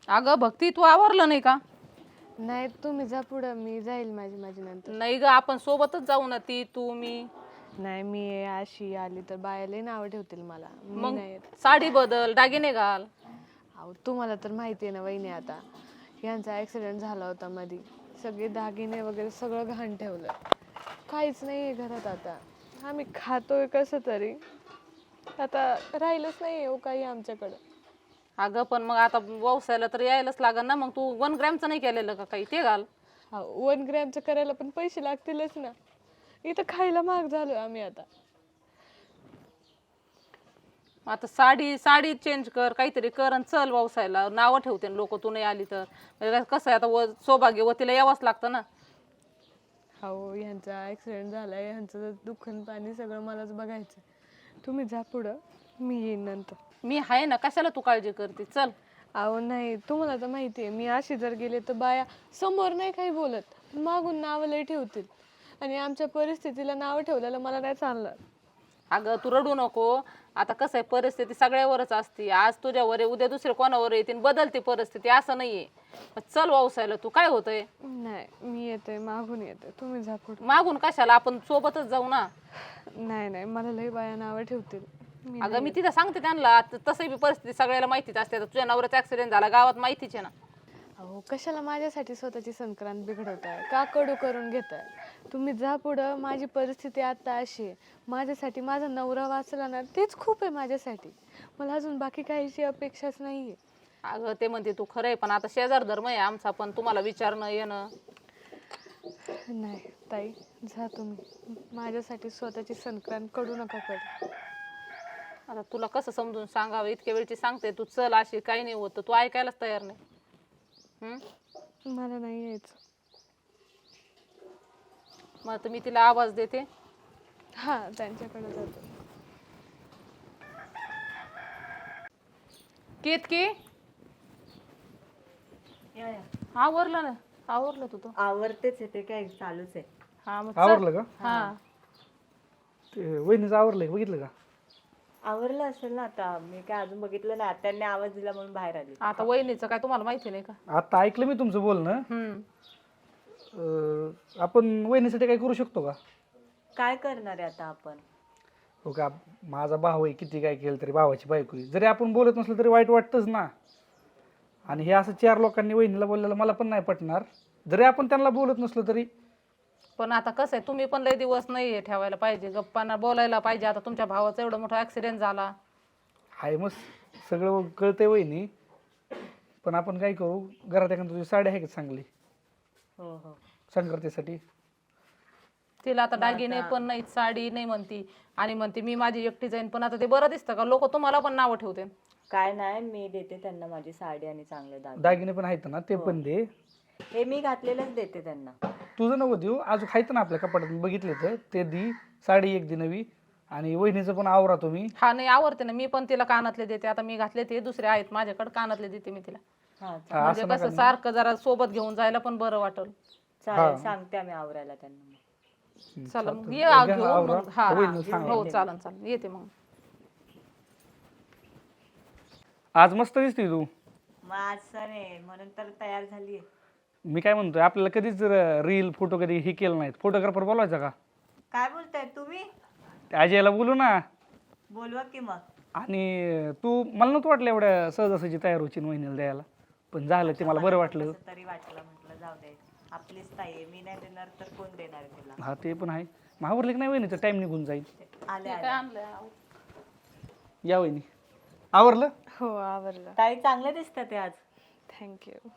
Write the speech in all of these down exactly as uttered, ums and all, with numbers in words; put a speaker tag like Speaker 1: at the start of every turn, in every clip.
Speaker 1: अगं भक्ती तू आवरलं नाही का?
Speaker 2: नाही तुम्ही जा पुढं, मी जाईल माझी माझी नंतर.
Speaker 1: नाही ग, आपण सोबतच जाऊ ना, ती तू मी.
Speaker 2: नाही मी अशी आली तर बायाला नावं ठेवतील मला, मी
Speaker 1: मग
Speaker 2: नाही येत.
Speaker 1: साडी बदल, दागिने घाल.
Speaker 2: अहो तुम्हाला तर माहिती आहे ना वहिनी, आता यांचा ऍक्सिडेंट झाला होता मध्ये, सगळे दागिने वगैरे सगळं घाण ठेवलं, काहीच नाही आहे घरात. आता आम्ही खातोय कसं तरी, आता राहिलंच नाही हो काही आमच्याकडं.
Speaker 1: अगं पण मग आता व्यवसायाला तर यायलाच लागल ना, मग तू वन ग्रॅमचं नाही केलेलं का काही, ते घाल.
Speaker 2: हा वन ग्रॅमचं करायला पण पैसे लागतीलच ना, इथं खायला महाग झालो आम्ही आता.
Speaker 1: आता साडी साडी चेंज कर, काहीतरी कर आणि चल व्यवसायाला. नावं ठेवते लोक तू नाही आली तर. म्हणजे कसं आहे आता, व सौभाग्य वतीला यावंच लागतं ना.
Speaker 2: हो ह्यांचा ॲक्सिडेंट झालाय, ह्यांचं दुःख आणि पाणी सगळं मलाच बघायचं. तुम्ही जा पुढं, मी येईन नंतर.
Speaker 1: मी आहे ना, कशाला तू काळजी करते, चल.
Speaker 2: अहो नाही, तुम्हाला तर माहिती आहे, मी अशी जर गेले तर बाया समोर नाही काही बोलत, मागून नावं लय ठेवतील, आणि आमच्या परिस्थितीला नावं ठेवलेलं मला नाही चाललं.
Speaker 1: अगं तू रडू नको. आता कसं आहे, परिस्थिती सगळ्यावरच असते. आज तुझ्यावर आहे, उद्या दुसरे कोणावर येते, बदलते परिस्थिती, असं नाहीये. चल व्यवसायाला, तू काय होतंय.
Speaker 2: नाही मी येते, मागून येते, तुम्ही जा पुढं.
Speaker 1: मागून कशाला, आपण सोबतच जाऊ ना.
Speaker 2: नाही नाही, मला लय बाया नावं ठेवतील. मी
Speaker 1: अगं मी तिथं सांगते त्यांना, तसंही परिस्थिती सगळ्याला माहितीच असते. आता तुझ्या नवऱ्याचा ऍक्सिडेंट झाला, गावात माहितीच आहे ना.
Speaker 2: अहो कशाला माझ्यासाठी स्वतःची संक्रांत बिघडवताय, का कडू करून घेताय. तुम्ही जा पुढं, माझी परिस्थिती आता अशी आहे, माझ्यासाठी माझा नवरा वाचला ना तेच खूप आहे माझ्यासाठी, मला अजून बाकी काहीची अपेक्षाच नाही आहे.
Speaker 1: अगं ते म्हणते तू खरंय, पण आता शेजार धर्म आहे आमचा, पण तुम्हाला विचारणं येणं.
Speaker 2: नाही ताई, जा तुम्ही, माझ्यासाठी स्वतःची संक्रांत कडू नका करू.
Speaker 1: आता तुला कसं समजून सांगावं, इतक्या वेळची सांगते तू चल अशी, काही नाही होत, तू ऐकायलाच तयार नाही. हम्म
Speaker 2: मला नाही यायचं.
Speaker 1: मग आता मी तिला आवाज देते.
Speaker 2: हा त्यांच्याकडे जातो.
Speaker 1: केतकी आवरलं ना, आवरलं तू तो.
Speaker 3: आवरतेच आहे, ते काय चालूच आहे.
Speaker 1: हा मग चल.
Speaker 4: आवरलं का?
Speaker 1: हा
Speaker 4: ते वहिनीचं आवरलंय, बघितलं का?
Speaker 3: आवरलं असेल ना, आता मी काय अजून बघितलं नाही, त्यांनी आवाज दिला म्हणून बाहेर आली.
Speaker 1: आता वहिनीचं काय तुम्हाला माहिती नाही का?
Speaker 4: आता ऐकलं मी तुमचं बोलणं.
Speaker 1: हम्म
Speaker 4: अं, आपण वहिनीसाठी काय करू शकतो का?
Speaker 3: काय करणार आहे आता आपण?
Speaker 4: हो का, माझा भाऊ आहे, किती काय केलं तरी भावाची बायको आहे. जरी आपण बोलत नसलं तरी वाईट वाटतंच ना. आणि हे असं चार लोकांनी वहिनीला बोललेलं मला पण नाही पटणार, जरी आपण त्यांना बोलत नसलो तरी.
Speaker 1: पण आता कसं आहे, तुम्ही पण लय दिवस नाही हे ठेवायला पाहिजे, गप्पांना बोलायला पाहिजे. आता तुमच्या भावाचा एवढा मोठा ऍक्सिडेंट झाला.
Speaker 4: हाय मग सगळं कळतंय वहिनी, पण आपण काय करू, घरात एखादी तुझी साडी आहे का चांगली
Speaker 3: हो हो,
Speaker 4: संक्रांतीसाठी?
Speaker 1: तिला आता दागिने पण नाही, साडी नाही म्हणती, आणि म्हणते मी माझी एकटी जाईन. पण आता ते बरं दिसतं का, लोक तुम्हाला पण नावं ठेवते.
Speaker 3: काय नाही, मी देते त्यांना माझी साडी आणि चांगले दागिने.
Speaker 4: दागिने पण आहेत ना, ते पण दे.
Speaker 3: हे मी घातलेलंच देते त्यांना.
Speaker 4: तुझं नको देऊ, अजून आहेत ना आपल्या कपाटात, बघितले तर ते दी. साडी एक दी नवी, आणि वहिनीचं पण आवरा तुम्ही.
Speaker 1: हा नाही आवडते ना, मी पण तिला कानातले देते. आता मी घातले ते दुसरे आहेत माझ्याकडे, कानातले देते मी तिला.
Speaker 3: हा
Speaker 4: हा,
Speaker 1: म्हणजे
Speaker 4: असं
Speaker 1: कसं
Speaker 4: नका.
Speaker 1: सारखं जरा सोबत घेऊन जायला पण बरं वाटेल.
Speaker 3: चालेल, सांगते आम्ही आवरायला त्यांना.
Speaker 1: चला मग
Speaker 4: चालतं.
Speaker 1: ये आ
Speaker 4: घ्या
Speaker 1: घेऊन
Speaker 4: आवरा.
Speaker 1: मग. हा
Speaker 4: वहिनीला सांगा.
Speaker 1: हो चालन चालन, येते मग.
Speaker 4: आज मस्त दिसते तू.
Speaker 3: मग आज सण आहे म्हणून तर तयार झालीये.
Speaker 4: मी काय म्हणतोय, आपल्याला कधीच रील फोटो कधी हे केलं नाहीत, फोटोग्राफर बोलवायचा का?
Speaker 3: काय बोलताय तुम्ही?
Speaker 4: अजयला बोलू ना.
Speaker 3: बोलवा की मग.
Speaker 4: आणि तू, मला नव्हतं वाटलं एवढ्या सहजासहजी तयार होची वहिनीला द्यायला, पण झालं ते मला बरं वाटलं.
Speaker 3: कसं तरी वाटलं, म्हटलं जाऊ दे, आपलीच ताई आहे, मी नाही देणार तर कोण देणार आहे तिला.
Speaker 4: हा ते पण आहे. मग आवरलं की नाही वहिनीचं, टाइम निघून जाईल.
Speaker 3: आले
Speaker 1: काय
Speaker 3: आले.
Speaker 1: आणलं?
Speaker 4: या वहिनी, आवरलं?
Speaker 2: हो आवरलं.
Speaker 3: ताई चांगले दिसतात ते आज.
Speaker 2: थँक्यू.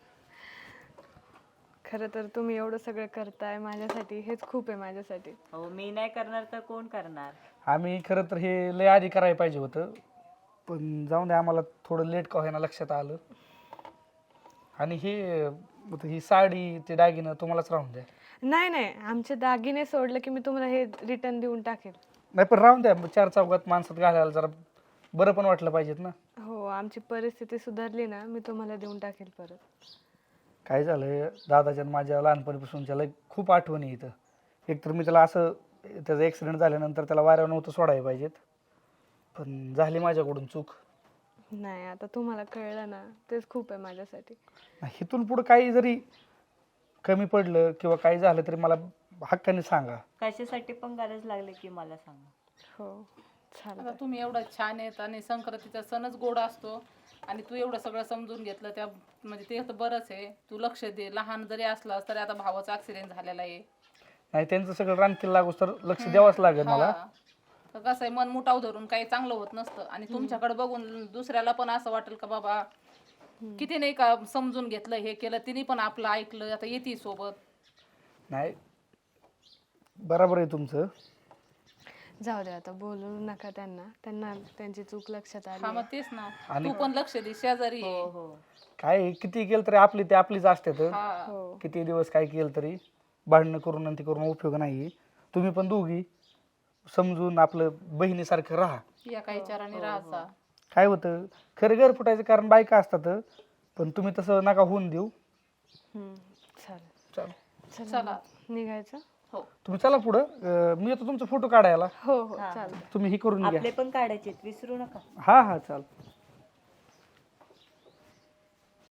Speaker 2: खरं तर तुम्ही एवढं सगळं करताय माझ्यासाठी, हेच खूप आहे माझ्यासाठी.
Speaker 3: हो, मी नाही करणार तर कोण करणार?
Speaker 4: आम्ही खरं तर हे लय आधी करायला पाहिजे होतं, पण जाऊन दे, आम्हाला थोडं लेट का होईना लक्षात आलं. आणि हे ही साडी, ते दागिनं तुम्हालाच राहून द्या.
Speaker 2: नाही नाही, आमचे दागिने सोडलं की मी तुम्हाला हे रिटर्न देऊन टाकेल.
Speaker 4: नाही पण राहून द्या, चार चौघात माणसात घालायला जरा बरं पण वाटलं पाहिजेत ना.
Speaker 2: हो, आमची परिस्थिती सुधारली ना, मी तुम्हाला देऊन टाकेल परत.
Speaker 4: काय झालंय, दादाच्या आणि माझ्या लहानपणीपासूनच्या लय खूप आठवणी इथं. एकतर मी त्याला असं, त्याचा ॲक्सिडेंट झाल्यानंतर त्याला वाऱ्यावर नव्हतं सोडायला पाहिजेत, पण झाली माझ्याकडून चूक.
Speaker 2: नाही आता तुम्हाला कळलं ना तेच खूप आहे माझ्यासाठी.
Speaker 4: इथून पुढे काही जरी कमी पडलं किंवा काही झालं तरी मला हक्काने सांगा.
Speaker 3: कशासाठी पण गरज लागली की मला सांगा.
Speaker 2: हो चालेल.
Speaker 1: आता तुम्ही एवढं छान आहेत आणि संक्रांतीचा सणच गोड असतो आणि तू एवढं सगळं समजून घेतलं त्या म्हणजे ते तर बरंच आहे. तू लक्ष दे, लहान जरी असलास तरी आता भावाचा ऍक्सिडेंट झालेला आहे.
Speaker 4: नाही त्यांचं सगळं रानकील लागूस तर लक्ष द्यावंच लागेल मला.
Speaker 1: हा. तर कसं आहे मन मुटाव धरून काही चांगलं होत नसतं आणि तुमच्याकडे बघून दुसऱ्याला पण असं वाटेल का बाबा किती नाही का समजून घेतलं हे केलं तिने पण आपलं ऐकलं आता येते सोबत.
Speaker 4: नाही बरोबर आहे तुमचं.
Speaker 2: जाऊ दे आता बोलू नका त्यांना, त्यांना त्यांची चूक लक्षात आली
Speaker 1: हा
Speaker 2: आहे.
Speaker 1: मग तेच ना,
Speaker 4: आणि-
Speaker 1: तू पण लक्ष दे, शेजारी आहे.
Speaker 3: हो हो
Speaker 4: काय आहे, किती केलं तरी आपली ते आपलीच असते तर
Speaker 1: हा.
Speaker 2: हो
Speaker 4: किती दिवस काय केलं तरी भांडणं करून आणि ते करून उपयोग नाही. तुम्ही पण दोघी समजून आपलं बहिणीसारखं राहा.
Speaker 1: एका विचाराने राहायचा.
Speaker 4: काय होतं खरं घर फुटायचं कारण बायका असतात पण तुम्ही तसं नका होऊन देऊ.
Speaker 2: हम्म, चालेल.
Speaker 4: चला
Speaker 2: चला
Speaker 1: चला.
Speaker 2: निघायचं.
Speaker 1: हो
Speaker 4: तुम्ही चला पुढं. अं, मी येतो तुमचा फोटो काढायला.
Speaker 2: हो हो
Speaker 3: हा.
Speaker 2: चालेल.
Speaker 4: तुम्ही हे करून घ्या.
Speaker 3: आपले पण काढायचे विसरू नका.
Speaker 4: हा हा चाल.